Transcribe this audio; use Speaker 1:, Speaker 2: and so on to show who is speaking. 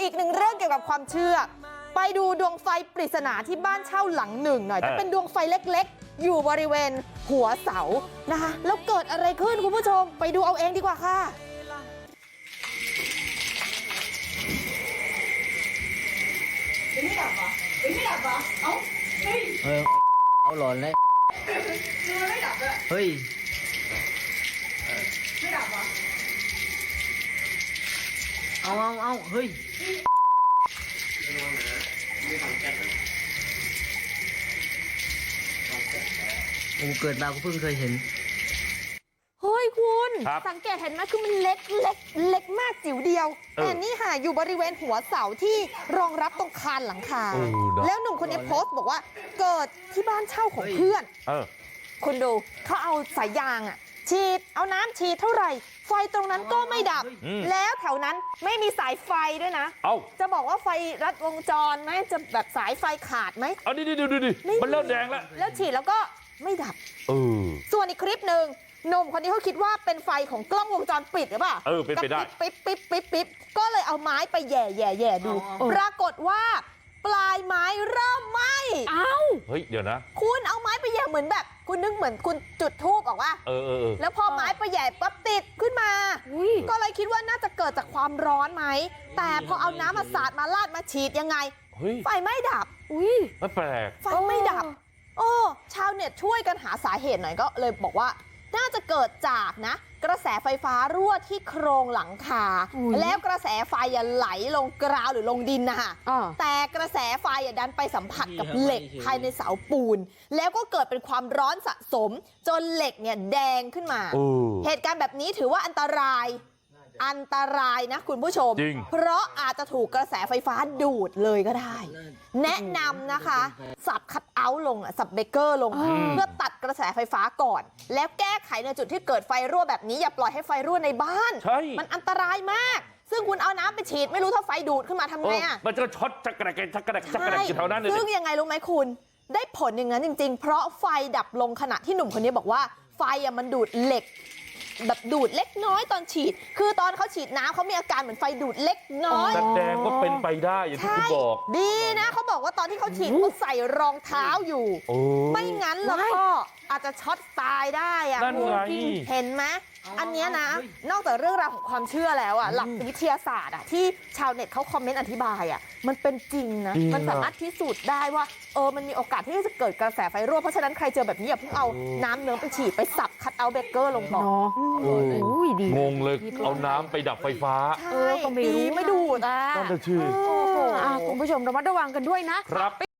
Speaker 1: กหนึ่งเรื่องเกี่ยวกับความเชื่อไปดูดวงไฟปริศนาที่บ้านเช่าหลังหนึ่งหน่อยจะเป็นดวงไฟเล็กๆอยู่บริเวณหัวเสานะคะแล้วเกิดอะไรขึ้นคุณผู้ชมไปดูเอาเองดีกว่าค่ะ
Speaker 2: ไม่ดับเหรอไม่ดับเหรอเอ้าเฮ้ย
Speaker 3: เอาหลอนเลย
Speaker 2: ไม่ดับเลย
Speaker 3: เฮ้ย
Speaker 2: ไม่ดับเหรอ
Speaker 3: เอาเฮ้ยโอ้เกิดมาก็เพิ่งเคยเห็น
Speaker 1: เฮ้ยคุณสังเกตเห็นไหมคือมันเล็กมากจิ๋วเดียวแต่นี่ค่ะอยู่บริเวณหัวเสาที่รองรับตรงคานหลังคาแล้วหนุ่มคนนี้โพสต์บอกว่าเกิดที่บ้านเช่าของเพื่อนคุณดูเขาเอาสายยางฉีดเอาน้ำฉีดเท่าไหร่ไฟตรงนั้นก็ไม่ดับแล้วแถวนั้นไม่มีสายไฟด้วยนะจะบอกว่าไฟรัดวงจรไหมจะแบบสายไฟขาดไหม
Speaker 4: เอาดิมันเริ่มแดงแล้ว
Speaker 1: ฉีดแล้วก็ไม่ดับส่วนอีกคลิปหนึ่งหนุ่มคนนี้เขาคิดว่าเป็นไฟของกล้องวงจรปิดหรือเปล่า
Speaker 4: เป็นไปได้
Speaker 1: ปิ๊บก็เลยเอาไม้ไปแย่ดูปรากฏว่าปลายไม้เริ่มไหม้
Speaker 4: เฮ้ยเดี๋ยวนะ
Speaker 1: คุณเอาไม้ไปแย่เหมือนแบบคุณนึกเหมือนคุณจุดธูปออกว่าแล้วพอไม้ไปแย่ปั๊บติดขึ้นมาก็เลยคิดว่าน่าจะเกิดจากความร้อนไหมแต่พอเอาน้ำมาสาดมาลาดมาฉีดยังไงไฟไม่ดับ
Speaker 4: ไม่แปลก
Speaker 1: ไฟไม่ดับชาวเน็ตช่วยกันหาสาเหตุหน่อยก็เลยบอกว่าน่าจะเกิดจากกระแสไฟฟ้ารั่วที่โครงหลังคาแล้วกระแสไฟไหลลงกราวหรือลงดินนะคะแต่กระแสไฟดันไปสัมผัสกับเหล็กภายในเสาปูนแล้วก็เกิดเป็นความร้อนสะสมจนเหล็กเนี่ยแดงขึ้นมาเหตุการณ์แบบนี้ถือว่าอันตรายนะคุณผู้ชมเพราะอาจจะถูกกระแสไฟฟ้าดูดเลยก็ได้แนะนำนะคะสับคัทเอาท์ลงสับเบรกเกอร์ลงเพื่อตัดกระแสไฟฟ้าก่อนแล้วแก้ไขในจุดที่เกิดไฟรั่วแบบนี้อย่าปล่อยให้ไฟรั่วในบ้านมันอันตรายมากซึ่งคุณเอาน้ำไปฉีดไม่รู้ถ้าไฟดูดขึ้นมาทำไง
Speaker 4: มันจะช็อตชักกระแดกอยู่แถวนั้นเลย
Speaker 1: ซึ่งยังไงรู้ไหมคุณได้ผลอย่างนั้นจริงๆเพราะไฟดับลงขณะที่หนุ่มคนนี้บอกว่าไฟมันดูดเหล็กแบบดูดเล็กน้อยตอนฉีดคือตอนเขาฉีดน้ำเขามีอาการเหมือนไฟดูดเล็กน้อย
Speaker 4: แสดงว่าเป็นไปได้อย่างที่คุณบอก
Speaker 1: ดีนะเขาบอกว่าตอนที่เขาฉีดเขาใส่รองเท้าอยู่ไม่งั้นแล้วก็อาจจะช็อตตายได้
Speaker 4: นั่นไง
Speaker 1: เห็นไหมอันนี้นะนอกจากเรื่องราวของความเชื่อแล้วหลักวิทยาศาสตร์ที่ชาวเน็ตเขาคอมเมนต์อธิบายมันเป็นจริงนะมันสามารถพิสูจน์ได้ว่ามันมีโอกาสที่จะเกิดกระแสไฟรั่วเพราะฉะนั้นใครเจอแบบนี้อย่าเพิ่งเอาน้ำเนื้อไปฉีดไปสับคัทเอาท์เบรกเกอร์ลงก่อน
Speaker 4: งงเลยเอาน้ำไปดับไฟฟ้า
Speaker 1: ก็ไม่รู้ไม่ดูด
Speaker 4: นั่นจะชื่อ
Speaker 5: คุณผู้ชมระมัดระวังกันด้วยนะครับ